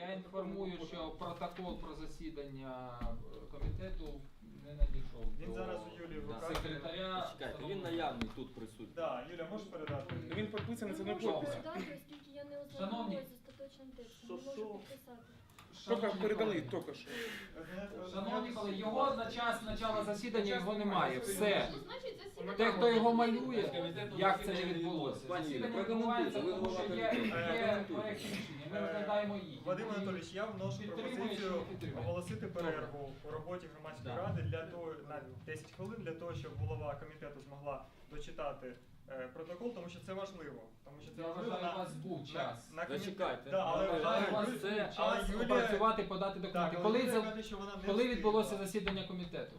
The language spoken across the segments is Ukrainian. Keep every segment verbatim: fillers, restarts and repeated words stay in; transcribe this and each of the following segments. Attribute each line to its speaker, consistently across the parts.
Speaker 1: Я інформую, що протокол про засідання комітету не надійшов
Speaker 2: Він
Speaker 1: до
Speaker 2: зараз у Юлії в руках.
Speaker 1: секретаря.
Speaker 3: Чекайте, він наявний тут присутній.
Speaker 2: Так, Юля, можеш передати?
Speaker 4: Він підписаний це
Speaker 5: Ви
Speaker 4: на
Speaker 5: можете
Speaker 4: підпис.
Speaker 5: передати, оскільки я не
Speaker 1: Шановні.
Speaker 5: ознайомилась з остаточним текстом. Не можу підписати.
Speaker 4: Тільки
Speaker 1: Шановні
Speaker 4: передали,
Speaker 1: колеги,
Speaker 4: тільки що.
Speaker 1: Шановні колеги, його на час початку засідання його немає. Все.
Speaker 6: Ну, значить, засідання.
Speaker 1: Те, хто його малює, як це не відбулося.
Speaker 3: Пані,
Speaker 1: Засідання відбувається,
Speaker 3: прокоментуйте, ви
Speaker 1: тому що
Speaker 3: голова
Speaker 1: є,
Speaker 3: комітету.
Speaker 1: є проєкт рішення, ми розглядаємо їх.
Speaker 2: Вадим Анатолійович, я вношу
Speaker 1: Підтримує чи
Speaker 2: пропозицію
Speaker 1: не підтримує?
Speaker 2: оголосити перерву у роботі громадської
Speaker 1: Да.
Speaker 2: ради для того на десять хвилин для того, щоб голова комітету змогла дочитати е, протокол, тому що це важливо. Тому що це
Speaker 1: Я
Speaker 2: важливо
Speaker 1: вважаю,
Speaker 2: на,
Speaker 1: у вас був час.
Speaker 2: на комітет.
Speaker 3: Зачекайте.
Speaker 2: Да, але,
Speaker 3: Я
Speaker 2: але,
Speaker 1: Вважаю, у вас
Speaker 2: Юлія-
Speaker 1: був
Speaker 3: це-
Speaker 2: але
Speaker 1: час
Speaker 2: Юлія-
Speaker 1: опрацювати, подати
Speaker 2: Так,
Speaker 1: документи.
Speaker 2: але
Speaker 1: Коли,
Speaker 2: Юлія
Speaker 1: це-
Speaker 2: каже, що вона не
Speaker 1: коли відбулося
Speaker 2: встигла.
Speaker 1: засідання комітету?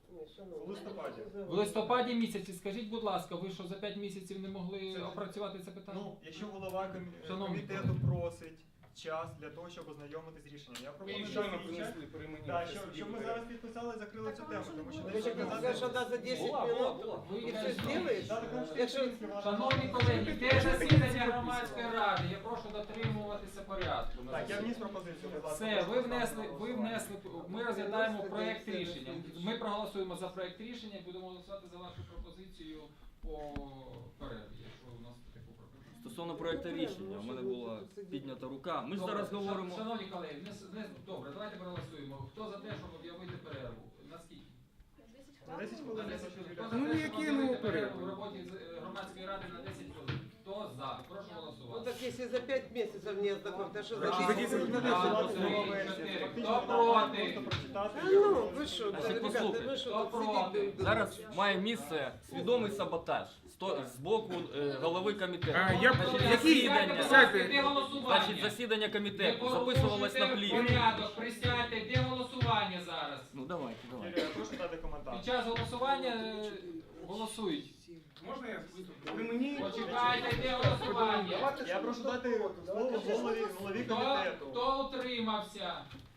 Speaker 2: У листопаді.
Speaker 1: В листопаді місяці, скажіть, будь ласка, ви що за п'ять місяців не могли опрацювати це питання?
Speaker 2: Ну, якщо голова комі-
Speaker 1: Шановні
Speaker 2: комітету просить час для того, щоб ознайомитись з рішенням, я
Speaker 4: І
Speaker 2: пропоную
Speaker 4: щойно
Speaker 2: дати їй час.
Speaker 4: принесли при мені.
Speaker 2: Так, щоб, щоб ми зараз підписали і закрили
Speaker 5: Так,
Speaker 2: цю
Speaker 5: а
Speaker 2: тему,
Speaker 5: може
Speaker 2: тому що
Speaker 5: не
Speaker 2: не
Speaker 5: буде?
Speaker 2: щоб
Speaker 5: Ви
Speaker 2: казати-
Speaker 5: сказали,
Speaker 7: що да, за десять
Speaker 3: Була,
Speaker 7: минут.
Speaker 3: була, була.
Speaker 1: Ви
Speaker 7: І
Speaker 1: це
Speaker 7: все зробиш?
Speaker 2: Так, тому що
Speaker 7: Якщо-
Speaker 2: Українська влада-
Speaker 1: Шановні колеги, де засідання громадської ради? Я прошу дотримуватися порядку. на
Speaker 2: Так, я
Speaker 1: засіданні.
Speaker 2: вніс пропозицію, будь ласка.
Speaker 1: Все,
Speaker 2: прошу
Speaker 1: ви
Speaker 2: поставити
Speaker 1: внесли,
Speaker 2: на
Speaker 1: ви
Speaker 2: голосування.
Speaker 1: внесли, ми розглядаємо проєкт рішення. Ми проголосуємо за проєкт рішення і будемо голосувати за вашу пропозицію по перерві, якщо у нас таку пропозицію.
Speaker 3: Стосовно проекту рішення, у мене була піднята рука. Ми ж
Speaker 1: Добре,
Speaker 3: зараз говоримо.
Speaker 1: шан- Шановні колеги, не, с- не, добре, давайте проголосуємо. Хто за те, щоб об'явити перерву? Наскільки?
Speaker 2: На десять хвилин.
Speaker 1: На
Speaker 2: я
Speaker 1: десять
Speaker 2: хочу
Speaker 1: хвилин. Хто
Speaker 2: Юлію.
Speaker 1: за
Speaker 4: Ну,
Speaker 1: те, щоб
Speaker 4: які
Speaker 1: об'явити
Speaker 4: ну, перерву?
Speaker 1: в роботі з- е, громадської ради на десять хвилин? Хто за? Прошу
Speaker 7: Ну
Speaker 1: голосувати.
Speaker 7: так если за пять месяцев не ознакомься, что за
Speaker 1: Раз,
Speaker 4: за
Speaker 7: десять
Speaker 4: десять
Speaker 7: минут?
Speaker 1: два,
Speaker 2: Голосувати
Speaker 1: три,
Speaker 2: нова версія.
Speaker 1: чотири.
Speaker 2: Фактично,
Speaker 1: Хто
Speaker 2: вона має
Speaker 1: проти?
Speaker 2: просто прочитати.
Speaker 7: А ну, вы что,
Speaker 3: Значить,
Speaker 7: ребята,
Speaker 3: послухайте,
Speaker 7: вы что,
Speaker 1: хто
Speaker 7: тут
Speaker 1: проти?
Speaker 7: сидите?
Speaker 3: Зараз має місце свідомий саботаж сто- з боку е, голови комітету.
Speaker 4: А, я-
Speaker 3: Значить,
Speaker 4: які-
Speaker 3: засідання,
Speaker 4: Сядьте.
Speaker 1: Де голосування?
Speaker 3: значить, засідання
Speaker 1: Не
Speaker 3: комітету записувалось на
Speaker 1: порушуйте
Speaker 3: плівку.
Speaker 1: порядок, присядьте, де голосування зараз?
Speaker 3: Ну давайте, давайте.
Speaker 2: Юлія, прошу дати коментар.
Speaker 1: Під час голосування е, голосують.
Speaker 4: Можна я виступлю? При мені.
Speaker 1: Почекайте, де голосування.
Speaker 2: Я прошу дати слово голові, голові
Speaker 1: Хто,
Speaker 2: комітету.
Speaker 1: хто утримався?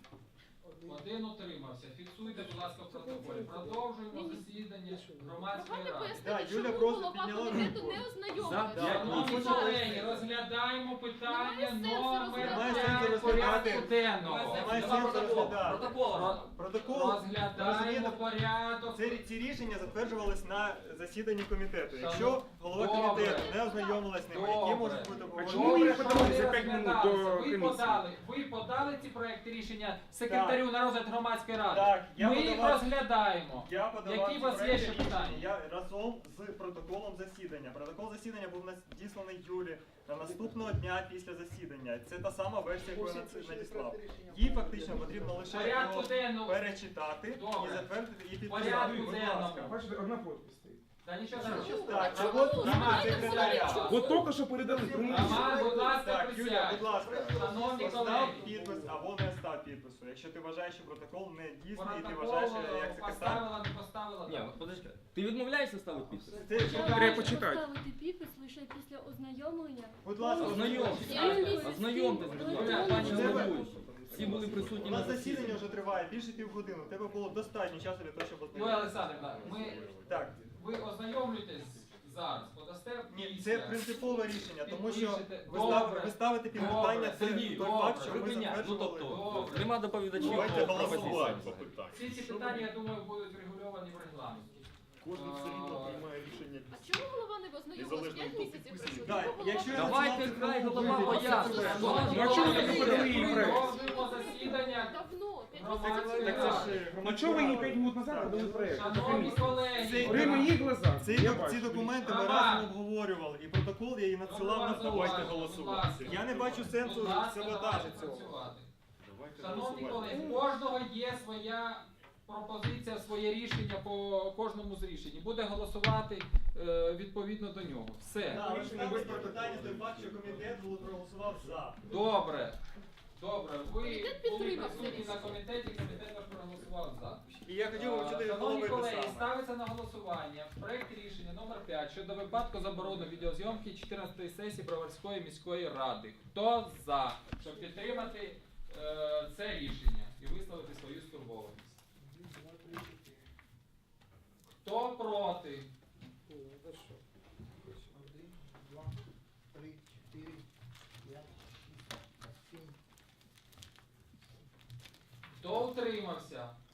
Speaker 1: Один утримався. Фіксуйте, будь ласка, в протоколі. Продовжуємо засідання громадської
Speaker 6: Давайте
Speaker 1: ради.
Speaker 2: Да,
Speaker 6: пояснити,
Speaker 2: Юля
Speaker 6: чому
Speaker 2: просто
Speaker 6: голова
Speaker 2: підняла
Speaker 6: комітету
Speaker 2: руку.
Speaker 6: не
Speaker 3: За
Speaker 6: ознайомився.
Speaker 3: п'ять
Speaker 1: Шановні
Speaker 3: місяців.
Speaker 1: колеги, розглядаємо питання
Speaker 6: Немає сенсу
Speaker 1: номер
Speaker 2: Немає
Speaker 6: розглядати.
Speaker 2: сенсу
Speaker 1: п'ять порядку
Speaker 2: розглядати.
Speaker 1: денного.
Speaker 2: Немає сенсу розглядати.
Speaker 3: Протокол.
Speaker 2: Протокол,
Speaker 1: Розглядаємо
Speaker 2: розумієте,
Speaker 1: порядок.
Speaker 2: Ці, ці рішення затверджувались на засіданні комітету. Якщо
Speaker 1: Шановні,
Speaker 2: голова
Speaker 1: добре.
Speaker 2: комітету не ознайомилась з ними, які
Speaker 1: Добре.
Speaker 2: можуть бути
Speaker 4: А
Speaker 2: обговорені?
Speaker 4: чому ви
Speaker 1: Добре,
Speaker 4: подали
Speaker 1: що
Speaker 4: за
Speaker 1: ви
Speaker 4: п'ять минут
Speaker 1: розглядалися?
Speaker 4: до
Speaker 1: Ви
Speaker 4: комісії?
Speaker 1: подали, ви подали ці проекти рішення секретарю на розгляд громадської ради.
Speaker 2: Так, я
Speaker 1: Ми їх
Speaker 2: подавав-
Speaker 1: розглядаємо.
Speaker 2: Я подавав
Speaker 1: Які
Speaker 2: ці
Speaker 1: у вас є
Speaker 2: проекти
Speaker 1: ще
Speaker 2: рішення.
Speaker 1: питання?
Speaker 2: Я разом з протоколом засідання. Протокол засідання був надісланий Юлі на наступного дня після засідання. Це та сама версія, яку я нац- надіслав. Їй фактично потрібно лише
Speaker 1: Порядку
Speaker 2: його
Speaker 1: денного.
Speaker 2: перечитати
Speaker 1: Добре.
Speaker 2: і затвердити і підписати.
Speaker 1: Порядку
Speaker 2: Будь
Speaker 1: денному.
Speaker 2: ласка.
Speaker 4: Бачите, одна підпис стоїть.
Speaker 1: Та нічого
Speaker 6: Чому?
Speaker 1: страшного.
Speaker 2: Так,
Speaker 6: А
Speaker 2: а
Speaker 6: чому?
Speaker 2: от
Speaker 6: Знаєте,
Speaker 2: немає
Speaker 6: взагалі
Speaker 2: секретаря.
Speaker 6: чому?
Speaker 4: От тільки що передали при мені.
Speaker 1: Роман, будь ласка,
Speaker 2: Так, Юля,
Speaker 1: присядь.
Speaker 2: будь ласка,
Speaker 1: Шановні
Speaker 2: постав
Speaker 1: колеги.
Speaker 2: підпис або не став підпису. Якщо ти вважаєш, що протокол не дійсний, і ти
Speaker 1: Протокол
Speaker 2: вважаєш, що як секретар.
Speaker 1: поставила, не поставила.
Speaker 3: Ні,
Speaker 1: так.
Speaker 3: подожди. Ти відмовляєшся ставити підпис?
Speaker 2: Це,
Speaker 4: Треба почитати.
Speaker 5: Поставити підпис лише після ознайомлення.
Speaker 2: будь ласка,
Speaker 3: Ознайомтесь.
Speaker 5: Я-
Speaker 3: Ознайомтесь, будь ласка, пані
Speaker 2: Це-
Speaker 3: головуюча. Всі були
Speaker 2: у
Speaker 3: присутні на
Speaker 2: нас засідання
Speaker 3: засіданні.
Speaker 2: вже триває більше півгодини. У тебе було достатньо часу для того, щоб
Speaker 1: Юлія
Speaker 2: ознайомитися.
Speaker 1: Олександрівна, ми,
Speaker 2: Так,
Speaker 1: ви ознайомлюєтесь зараз, подасте
Speaker 2: ні,
Speaker 1: після.
Speaker 2: це принципове рішення, тому що
Speaker 1: Підпишете.
Speaker 2: ви, став,
Speaker 1: Добре.
Speaker 2: ви ставите під
Speaker 1: Добре.
Speaker 2: питання той,
Speaker 3: Сергій,
Speaker 2: той
Speaker 1: добре.
Speaker 2: факт, що ми
Speaker 3: Припиняй. Ну
Speaker 2: затверджували.
Speaker 3: тобто,
Speaker 1: Добре.
Speaker 3: нема доповідачів.
Speaker 2: Давайте
Speaker 3: по
Speaker 2: голосувати
Speaker 3: пропозиціям.
Speaker 8: по питанню.
Speaker 1: Всі ці питання, я думаю, будуть врегульовані в регламенті.
Speaker 8: Кожен все рівно приймає рішення.
Speaker 6: А чому голова не ознайомилась?
Speaker 8: Незалежно
Speaker 6: П'ять
Speaker 8: від того,
Speaker 6: місяців
Speaker 8: підписує.
Speaker 6: пройшло.
Speaker 2: Да,
Speaker 6: Чому голова
Speaker 2: якщо я
Speaker 6: не
Speaker 3: Давайте
Speaker 2: назвав
Speaker 3: хай
Speaker 2: цифру,
Speaker 3: голова
Speaker 2: ви-
Speaker 3: пояснить.
Speaker 1: Шановні
Speaker 4: Ну, а чому ви не
Speaker 1: колеги,
Speaker 4: подали її проект?
Speaker 1: продовжуємо засідання.
Speaker 6: Давно, п'ять
Speaker 1: Громадської
Speaker 6: місяців
Speaker 2: Так це
Speaker 6: пройшло.
Speaker 2: ж
Speaker 4: Ну
Speaker 2: громадська
Speaker 4: чого ви її
Speaker 2: рада.
Speaker 4: п'ять минут назад
Speaker 2: Так.
Speaker 4: робили проект?
Speaker 1: Шановні колеги,
Speaker 4: При моїх глазах.
Speaker 2: Ці,
Speaker 4: Я
Speaker 2: ці
Speaker 4: бачу.
Speaker 2: документи ми
Speaker 1: Роман.
Speaker 2: разом обговорювали, і протокол я їй надсилав на
Speaker 1: Давайте
Speaker 2: почту.
Speaker 1: голосувати.
Speaker 2: Я не бачу сенсу
Speaker 1: Будь ласка,
Speaker 2: саботажу
Speaker 1: давайте
Speaker 2: цього.
Speaker 1: працювати.
Speaker 8: Давайте
Speaker 1: Шановні
Speaker 8: голосувати.
Speaker 1: колеги, у кожного є своя пропозиція, своє рішення по кожному з рішень. Буде голосувати е, відповідно до нього. Все.
Speaker 2: Так, але ж там без питання той факт, що комітет проголосував за.
Speaker 1: Добре. Добре. Ви
Speaker 6: Комітет
Speaker 1: були
Speaker 6: підтримав це
Speaker 1: присутні на
Speaker 6: рішення.
Speaker 1: комітеті, комітет ваш проголосував за.
Speaker 2: І я хотів би почути від
Speaker 1: Шановні
Speaker 2: голови те
Speaker 1: колеги,
Speaker 2: саме.
Speaker 1: ставиться на голосування проект рішення номер п'ять щодо випадку заборони відеозйомки чотирнадцятої сесії Броварської міської ради. Хто за, щоб підтримати е, це рішення і висловити свою стурбованість? Хто проти?
Speaker 9: Один, два, три, чотири, п'ять, шість, сім,
Speaker 1: Утримався.